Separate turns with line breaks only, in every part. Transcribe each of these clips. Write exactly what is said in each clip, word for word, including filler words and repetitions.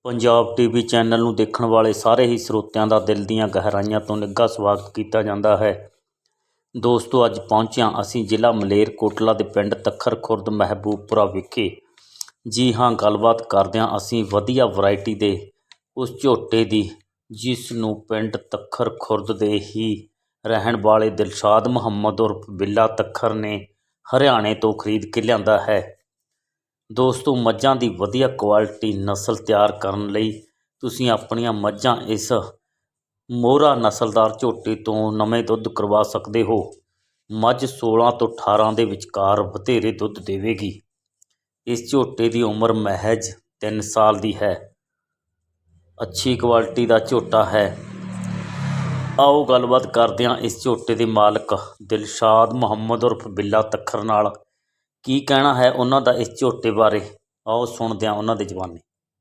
Punjab TV channel ਨੂੰ ਦੇਖਣ ਵਾਲੇ ਸਾਰੇ ਹੀ ਸਰੋਤਿਆਂ ਦਾ ਦਿਲ ਦੀਆਂ ਗਹਿਰਾਈਆਂ ਤੋਂ ਨਿੱਘਾ ਸਵਾਗਤ ਕੀਤਾ ਜਾਂਦਾ ਹੈ। ਦੋਸਤੋ, ਅੱਜ ਪਹੁੰਚਿਆ ਅਸੀਂ ਜ਼ਿਲ੍ਹਾ ਮਲੇਰਕੋਟਲਾ ਦੇ ਪਿੰਡ ਤੱਖਰ ਖੁਰਦ ਮਹਿਬੂਬਪੁਰਾ ਵਿਖੇ। ਜੀ ਹਾਂ, ਗੱਲਬਾਤ ਕਰਦਿਆਂ ਅਸੀਂ ਵਧੀਆ ਵੈਰਾਈਟੀ ਦੇ ਉਸ ਝੋਟੇ ਦੀ ਜਿਸ ਨੂੰ ਪਿੰਡ ਤੱਖਰ ਖੁਰਦ ਦੇ ਹੀ ਰਹਿਣ ਵਾਲੇ ਦਿਲਸ਼ਾਦ ਮੁਹੰਮਦ ਉਰਫ ਬਿੱਲਾ ਤੱਖਰ ਨੇ ਹਰਿਆਣੇ ਤੋਂ ਖਰੀਦ ਕੇ ਲਿਆਂਦਾ ਹੈ। ਦੋਸਤੋ, ਮੱਝਾਂ ਦੀ ਵਧੀਆ ਕੁਆਲਿਟੀ ਨਸਲ ਤਿਆਰ ਕਰਨ ਲਈ ਤੁਸੀਂ ਆਪਣੀਆਂ ਮੱਝਾਂ ਇਸ ਮੋਹਰਾ ਨਸਲਦਾਰ ਝੋਟੇ ਤੋਂ ਨਵੇਂ ਦੁੱਧ ਕਰਵਾ ਸਕਦੇ ਹੋ। ਮੱਝ ਸੋਲਾਂ ਤੋਂ ਅਠਾਰਾਂ ਦੇ ਵਿਚਕਾਰ ਵਧੇਰੇ ਦੁੱਧ ਦੇਵੇਗੀ। ਇਸ ਝੋਟੇ ਦੀ ਉਮਰ ਮਹਿਜ ਤਿੰਨ ਸਾਲ ਦੀ ਹੈ। ਅੱਛੀ ਕੁਆਲਿਟੀ ਦਾ ਝੋਟਾ ਹੈ। ਆਓ ਗੱਲਬਾਤ ਕਰਦੇ ਹਾਂ ਇਸ ਝੋਟੇ ਦੇ ਮਾਲਕ ਦਿਲਸ਼ਾਦ ਮੁਹੰਮਦ ਉਰਫ ਬਿੱਲਾ ਤੱਖਰ ਨਾਲ। ਕੀ ਕਹਿਣਾ ਹੈ ਉਹਨਾਂ ਦਾ ਇਸ ਝੋਟੇ ਬਾਰੇ, ਆਓ ਸੁਣਦੇ ਹਾਂ ਉਹਨਾਂ ਦੀ ਜ਼ੁਬਾਨੀ।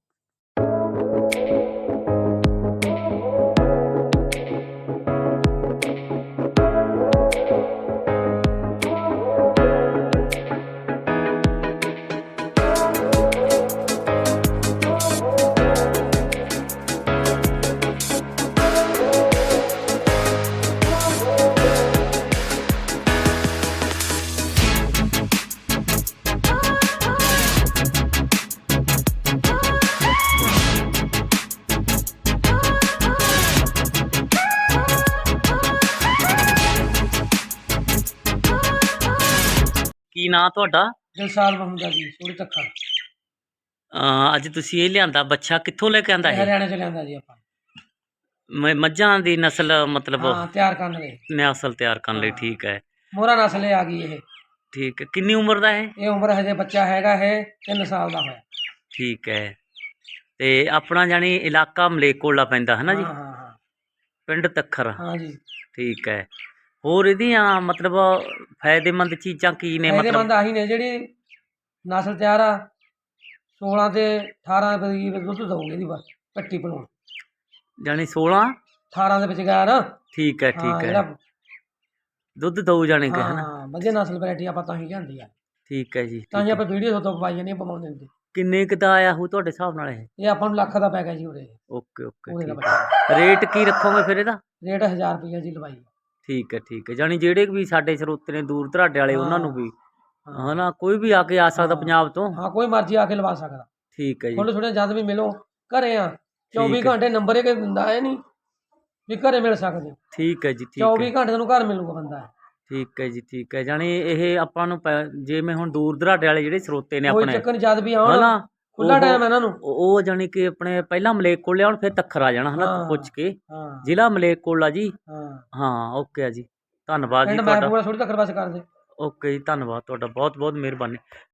ਕੀ ਨਾਂ ਤੁਹਾਡਾ?
ਦਿਲਸ਼ਾਦ ਮੁਹੰਮਦ ਜੀ, ਸੋੜੀ ਤੱਖਰ।
ਅਹ ਅੱਜ ਤੁਸੀਂ ਇਹ ਲਿਆਂਦਾ ਬੱਚਾ ਕਿੱਥੋਂ ਲੈ ਕੇ ਆਂਦਾ ਹੈ?
ਹਰਿਆਣੇ ਚ ਲਿਆਂਦਾ ਜੀ ਆਪਾਂ।
ਮ- ਮੱਝਾਂ ਦੀ ਨਸਲ ਮਤਲਬ
ਹਾਂ, ਤਿਆਰ ਕਰਨ ਲਈ
ਨਸਲ ਤਿਆਰ ਕਰਨ ਲਈ। ਠੀਕ ਹੈ,
ਮੋਹਰਾ ਨਸਲ ਇਹ ਆ ਗਈ। ਇਹ
ਠੀਕ ਹੈ। ਕਿੰਨੀ ਉਮਰ ਦਾ ਹੈ?
ਇਹ ਉਮਰ ਹਜੇ ਬੱਚਾ ਹੈਗਾ ਇਹ ਤਿੰਨ ਸਾਲ ਦਾ ਹੋਇਆ।
ਠੀਕ ਹੈ। ਤੇ ਆਪਣਾ ਜਾਣੀ ਇਲਾਕਾ ਮਲੇਰਕੋਟਲਾ ਪੈਂਦਾ ਹੈ ਨਾ ਜੀ?
ਹਾਂ ਹਾਂ ਹਾਂ
ਪਿੰਡ ਤੱਖਰ।
ਹਾਂ ਜੀ।
ਠੀਕ ਹੈ। ਹੋਰ ਇਹਦੀਆਂ ਮਤਲਬ ਫਾਇਦੇਮੰਦ ਚੀਜ਼ਾਂ ਕੀ ਨੇ?
ਇਹਦੇ
ਮਤਲਬ
ਬੰਦ ਆਹੀ ਨੇ ਜਿਹੜੀ ਨਸਲ ਤਿਆਰ ਆ, ਸੋਲਾਂ ਤੇ ਅਠਾਰਾਂ ਦੇ ਕਰੀਬ ਦੁੱਧ ਦਊਗੀ ਇਹਦੀ ਬਸ ਕੱਟੀ ਬਣਾਉਣ।
ਜਾਣੀ ਸੋਲਾਂ
ਅਠਾਰਾਂ ਦੇ ਵਿੱਚ ਗਿਆ ਨਾ।
ਠੀਕ ਹੈ,
ਹਾਂ,
ਠੀਕ ਹੈ।
ਜਿਹੜਾ
ਦੁੱਧ ਦਊ ਜਾਣੀ ਕਿ ਹੈ ਨਾ?
ਹਾਂ, ਵਧੀਆ ਨਸਲ ਵੈਰਾਈਟੀ ਆਪਾਂ ਤਾਂ ਹੀ ਲਿਆਂਦੀ ਆ।
ਠੀਕ ਹੈ ਜੀ।
ਤਾਂ ਹੀ
ਠੀਕ ਹੈ।
ਆਪਾਂ ਵੀਡੀਓ ਤੋਂ ਪਾਈ ਜਾਂਦੇ ਪਵਾਉਂਦੇ ਹੁੰਦੇ।
ਕਿੰਨੇ ਕੁ ਦਾ ਆਇਆ ਹੋ ਤੁਹਾਡੇ ਹਿਸਾਬ ਨਾਲ ਇਹ?
ਇਹ ਆਪਾਂ ਨੂੰ ਲੱਖ ਦਾ ਪੈ ਗਿਆ ਜੀ ਉਰੇ।
ਓਕੇ ਓਕੇ,
ਉਹਦੇ ਦਾ
ਠੀਕ ਹੈ। ਰੇਟ ਕੀ ਰੱਖੋਗੇ ਫਿਰ ਇਹਦਾ?
ਰੇਟ ਹਜ਼ਾਰ ਰੁਪਈਆ ਜੀ ਲਵਾਈ।
ਠੀਕ ਹੈ, ਠੀਕ ਹੈ। ਜਾਣੀ ਜਿਹੜੇ ਵੀ ਸਾਡੇ ਸਰੋਤੇ ਨੇ ਦੂਰ ਦਰਾਡੇ ਵਾਲੇ ਉਹਨਾਂ ਨੂੰ ਵੀ ਹੈ ਨਾ, ਕੋਈ ਵੀ ਆ ਕੇ ਆ ਸਕਦਾ ਪੰਜਾਬ ਤੋਂ?
ਹਾਂ, ਕੋਈ ਮਰਜ਼ੀ ਆ ਕੇ ਲਵਾ ਸਕਦਾ।
ਠੀਕ ਹੈ ਜੀ।
ਥੋੜੇ ਥੋੜੇ ਜਦ ਵੀ ਮਿਲੋ ਘਰੇ ਆ। ਚੌਵੀ
ਠੀਕ ਹੈ।
ਘੰਟੇ ਨੰਬਰ ਇਹ ਦਿੰਦਾ ਹੈ ਨਹੀਂ ਵੀ ਘਰੇ ਮਿਲ ਸਕਦੇ ਹੋ।
ਠੀਕ ਹੈ ਜੀ। ਠੀਕ
ਚੌਵੀ
ਹੈ,
ਘੰਟੇ ਤੁਹਾਨੂੰ ਘਰ ਮਿਲੂਗਾ ਬੰਦਾ।
ਠੀਕ ਹੈ ਜੀ। ਠੀਕ ਹੈ। ਜਾਣੀ ਇਹ ਆਪਾਂ ਨੂੰ ਪੈ- ਜਿਵੇਂ ਹੁਣ ਦੂਰ ਦਰਾਡੇ ਵਾਲੇ ਜਿਹੜੇ ਸਰੋਤੇ ਨੇ
ਕੋਈ
ਆਪਣੇ
ਚੱਕਰ ਨੀ, ਜਦ ਵੀ ਆਉਣ
ਹਨਾ,
ਖੁੱਲਾ
ਉਹ-
ਟਾਈਮ ਹੈ ਇਹਨਾਂ ਨੂੰ।
ਉਹ ਉਹ ਜਾਣੀ ਕਿ ਆਪਣੇ ਪਹਿਲਾਂ ਮਲੇਰਕੋਟਲੇ ਆਉਣ ਫਿਰ ਤੱਖਰ ਆ ਜਾਣਾ ਹਨਾ,
ਹਾਂ,
ਪੁੱਛ ਕੇ।
ਹਾਂ
ਜ਼ਿਲ੍ਹਾ ਮਲੇਰਕੋਟਲਾ ਜੀ।
ਹਾਂ।
ਹਾਂ, ਓਕੇ ਆ ਜੀ। ਧੰਨਵਾਦ ਜੀ
ਪਿੰਡ
ਤੁਹਾਡਾ।
ਮਹਿਬੂਬਪੁਰਾ ਥੋੜੀ ਤੱਕ ਬਸ ਕਰਦੇ।
ਓਕੇ ਜੀ, ਧੰਨਵਾਦ ਤੁਹਾਡਾ, ਬਹੁਤ ਬਹੁਤ ਮਿਹਰਬਾਨੀ।